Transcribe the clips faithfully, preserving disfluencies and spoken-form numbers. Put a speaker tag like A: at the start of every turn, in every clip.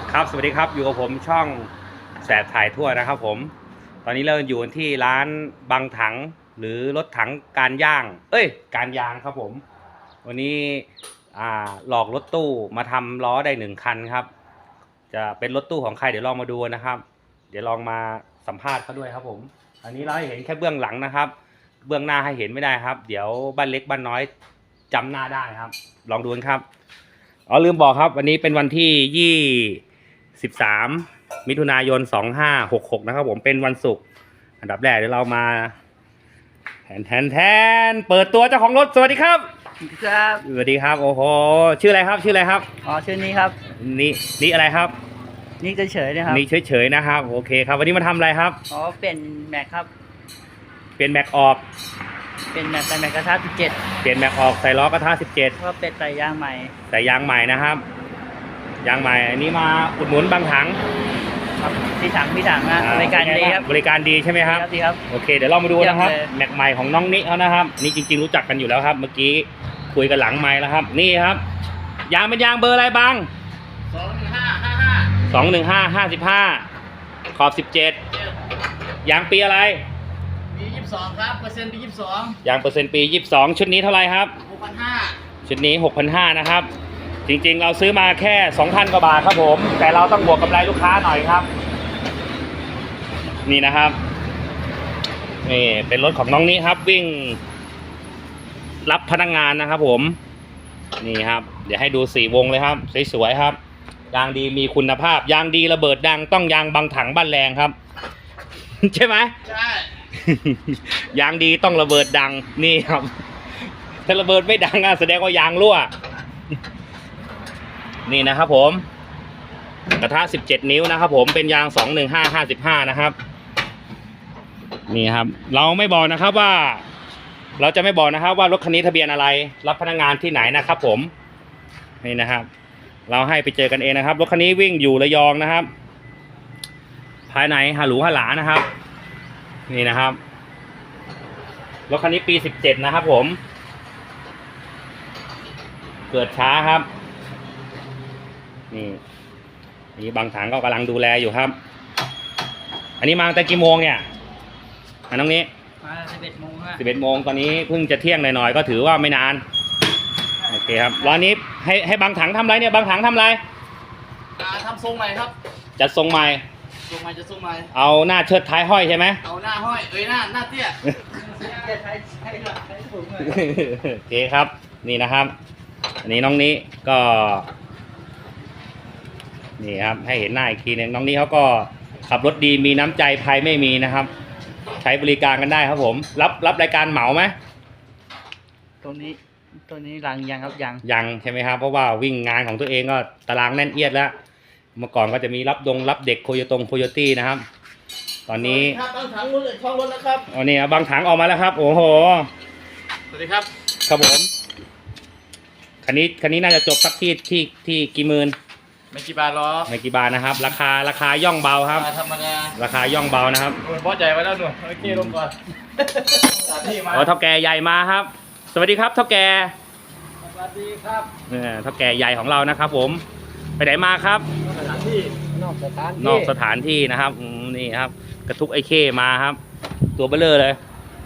A: ครับสวัสดีครับอยู่กับผมช่องแสบถ่ายทั่วนะครับผมตอนนี้เราอยู่ที่ร้านบางถังหรือรถถังการย่างเอ้ยการยางครับผมวันนี้อ่าหลอกรถตู้มาทำล้อได้หนึ่งคันครับจะเป็นรถตู้ของใครเดี๋ยวลองมาดูนะครับเดี๋ยวลองมาสัมภาษณ์เขาด้วยครับผมอันนี้เราให้เห็นแค่เบื้องหลังนะครับเบื้องหน้าให้เห็นไม่ได้ครับเดี๋ยวบ้านเล็กบ้านน้อยจำหน้าได้ครับลองดูครับอ๋อลืมบอกครับวันนี้เป็นวันที่ยี่สิบสามมิถุนายนสองห้าหกหกนะครับผมเป็นวันศุกร์อันดับแรกเดี๋ยวเรามาแทนแทนแทนเปิดตัวเจ้าของรถสวัสดีครับ
B: ครับ
A: สวัสดีครับโอ้โหชื่ออะไรครับชื่ออะไรครับ
B: อ๋อชื่อนี้ครับ
A: นี่นี่อะไรครับ
B: นี่เฉยๆนะครับ
A: นี่เฉยๆนะครับโอเคครับวันนี้มาทำอะไรครับ
B: อ๋อเป็นแม็กครับ
A: เปลี่ยนแม็กออก
B: เป็นแม็กใส่แม็กกระทะสิบเจ็ด
A: เปลี่ยนแม็กออกใส่ล้อกระทะสิบเจ็ด
B: ก็เป็นใส่ยางใหม่
A: ใส่ยางใหม่นะครับยางใหม่อันนี้มาอุดหนุนบางถัง
B: ครับพี่ถังพี่ถังนะบริการดีครับ
A: บริการดีใช่ไหมครับ
B: ดีครับ
A: โอเคเดี๋ยวเรามาดูนะครับแม็กใหม่ของน้องนิเขานะครับนี่จริงๆรู้จักกันอยู่แล้วครับเมื่อกี้คุยกันหลังไมค์แล้วครับนี่ครับยางเป็นยางเบอร์อะไรบ้าง
B: สองหนึ่งห้าห้าห้า
A: สองหนึ่งห้าห้าสิบห้าขอบสิบเจ็ดยางปีอะไร
B: ปียี่สิบสองครับเปอร์เซ็นต์ปียี่สิบสอง
A: ยางเปอร์เซ็นต์ปียี่สิบสองชุดนี้เท่าไรครับ
B: หกพันห้า
A: ชุดนี้หกพันห้านะครับจริงๆเราซื้อมาแค่ สองพัน กว่าบาทครับผมแต่เราต้องบวกกำไรลูกค้าหน่อยครับนี่นะครับนี่เป็นรถของน้องนี้ครับวิ่งรับพนักงานนะครับผมนี่ครับเดี๋ยวให้ดูสี่วงเลยครับสวยๆครับยางดีมีคุณภาพยางดีระเบิดดังต้องยางบางถังบ้านแรงครับ ใช่ไหม
B: ใช่
A: ยางดีต้องระเบิดดังนี่ครับถ้าระเบิดไม่ดังอ่ะแสดงว่ายางรั่วนี่นะครับผมกระทะสิบเจ็ดนิ้วนะครับผมเป็นยางสองหนึ่งห้า ห้าสิบห้านะครับนี่ครับเราไม่บอกนะครับว่าเราจะไม่บอกนะครับว่ารถคันนี้ทะเบียนอะไรรับพนักงานที่ไหนนะครับผมนี่นะครับเราให้ไปเจอกันเองนะครับรถคันนี้วิ่งอยู่ระยองนะครับภายในฮาหรูฮาหลานะครับนี่นะครับรถคันนี้ปีสิบเจ็ดนะครับผมเกิดช้าครับนี่นี่บางถังก็กำลังดูแลอยู่ครับอันนี้มาตั้งแต่กี่โมงเนี่ยอันน้องนี้
B: มาสิบเอ็ดโมงฮะ
A: สิบเอ็ดโมงตอนนี้เพิ่งจะเที่ยงหน่อยๆก็ถือว่าไม่นานโอเคครับร้านนี้ให้ให้บางถังทำไรเนี่ยบางถังทำไร
B: ทำทรงใหม่ครับ
A: จัดทรงใหม่
B: ทรงใหม่จะทรงใหม่
A: เอาหน้าเชิดท้ายห้อยใช่ไหม
B: เอาหน้าห้อยเอ้ยหน้าหน้าเตี้ยใช้ใช้ใช้สูงเลย
A: โอเคครับนี่นะครับอันนี้น้องนี้ก็นี่ครับให้เห็นหน้าอีกทีนึงน้องนี้เขาก็ขับรถดีมีน้ำใจภัยไม่มีนะครับใช้บริการกันได้ครับผมรับรับรายการเหมาไหม
B: ตัวนี้ตัวนี้ยังยังครับยัง
A: ยังใช่ไหมครับเพราะว่าวิ่งงานของตัวเองก็ตารางแน่นเอียดแล้วเมื่อก่อนก็จะมีรับดงรับเด็กโคโยตงโคโยตี้นะครับตอนนี้
B: ครับบางถังรถช่องรถนะครับ
A: อ๋อนี่บางถังออกมาแล้วครับโอ้โห
B: สวัสดีครับ
A: ครับผมคันนี้คันนี้น่าจะจบสักที่ที่ที่กี่หมื่น
B: ไม่กี่บาทหรอ
A: ไม่กี่บาทนะครับราคาราคาย่องเบาครับ
B: ธรรมดา
A: ราคาย่องเบานะครับ
B: พอใจไว้แล้วหนูโอเคลงก่อน
A: อ๋อเท่าแก่ใหญ่มาครับสวัสดีครับเท่าแก่
B: สวัสดีครับ
A: เนี่ยเท่าแก่ใหญ่ของเรานะครับผมไปไหนมาครับ
B: สถานที่นอกสถานที่
A: นอกสถานที่นะครับนี่ครับกระทุกไอ้เข้มาครับตัวเบลเลอร์เลย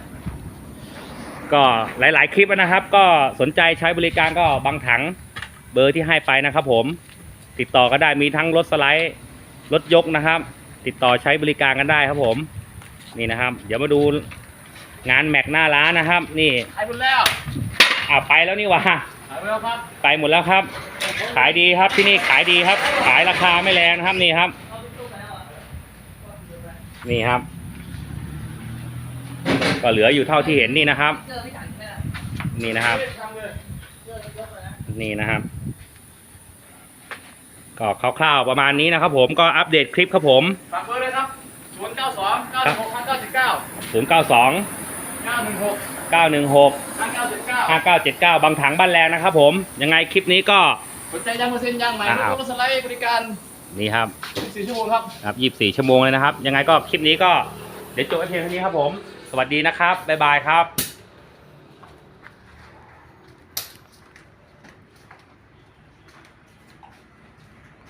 A: ก็หลายๆคลิปนะครับ ก็สนใจใช้บริการก็บางถังเบอร์ที่ให้ไปนะครับผมติดต่อก็ได้มีทั้งรถสไลด์รถยกนะครับติดต่อใช้บริการกันได้ครับผมนี่นะครับเดี๋ยวมาดูงานแม็กหน้าร้านนะครับนี่
B: ไปหมดแล้ว
A: อ่าไปแล้วนี่วะ
B: ไปแล้วครับ
A: ไปหมดแล้วครับขายดีครับที่นี่ขายดีครับขายราคาไม่แรงนะครับนี่ครับนี่ครับก็เหลืออยู่เท่าที่เห็นนี่นะครับนี่นะครับนี่นะครับก็คร่าวๆประมาณนี้นะครับผมก็อัปเดตคลิปครับผม
B: ฝากเบอร์เลยครับศูนย์เก้าสองเก้าหกห้าเก้าเจ็ดเก้า
A: ศูนย์เก้าสอง
B: เก้าหนึ่งหก
A: เก้าหนึ่งหก
B: ห้าเก้าเจ็ดเก้า
A: ห้าเก้าเจ็ดเก้าบางถังบ้านแรงนะครับผมยังไงคลิปนี้ก็
B: สนใจยางเปอร์เซ็นต์ยางใหม่รถสไลด์บริการ
A: นี่ครับ
B: ยี่สิบสี่ชั่วโมงครับ
A: ครับยี่สิบสี่ชั่วโมงเลยนะครับยังไงก็คลิปนี้ก็เดี๋ยวจบไว้เพียงเท่านี้ครับผมสวัสดีนะครับบ๊ายบายครับ